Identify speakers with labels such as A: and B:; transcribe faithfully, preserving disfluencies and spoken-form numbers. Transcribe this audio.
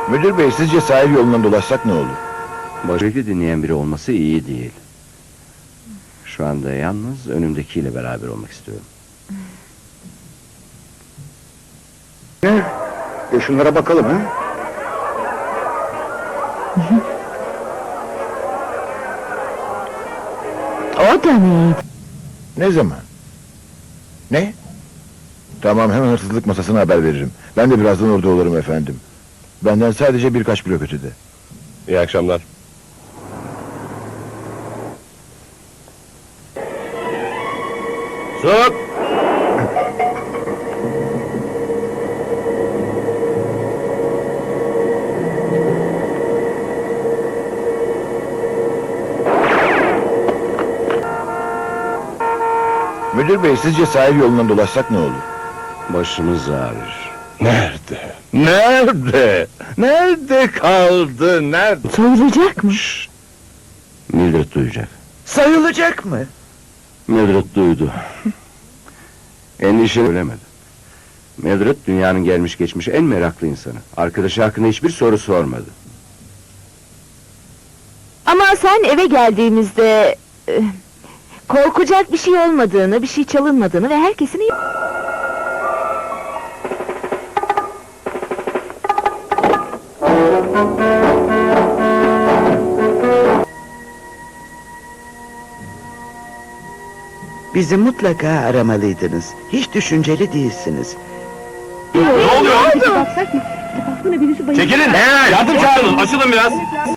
A: Müdür bey, sizce sahil yolundan dolaşsak ne olur?
B: Başarıyı dinleyen biri olması iyi değil. Şu anda yalnız önümdekiyle beraber olmak istiyorum.
A: Ne? E şunlara bakalım ha?
C: O da neydi?
A: Ne zaman? Ne? Tamam, hemen hırsızlık masasına haber veririm. Ben de birazdan orada olurum efendim. Benden sadece birkaç blok ötede.
D: İyi akşamlar. Sok!
A: Müdür bey, sizce sahil yolundan dolaşsak ne olur?
B: Başımız ağrır.
D: Nerede? Nerede? Nerede kaldı? Nerede?
C: Soyulacak mı?
B: Mildred duyacak.
E: Sayılacak mı?
B: Mildred duydu. Endişe ölemedi. Mildred dünyanın gelmiş geçmiş en meraklı insanı. Arkadaşı hakkında hiçbir soru sormadı.
C: Ama sen eve geldiğimizde... e, korkacak bir şey olmadığını, bir şey çalınmadığını ve herkesin iyi...
E: Bizi mutlaka aramalıydınız. Hiç düşünceli değilsiniz.
D: Ne oluyor? Çekilin! Yardım çağırın, açılın biraz!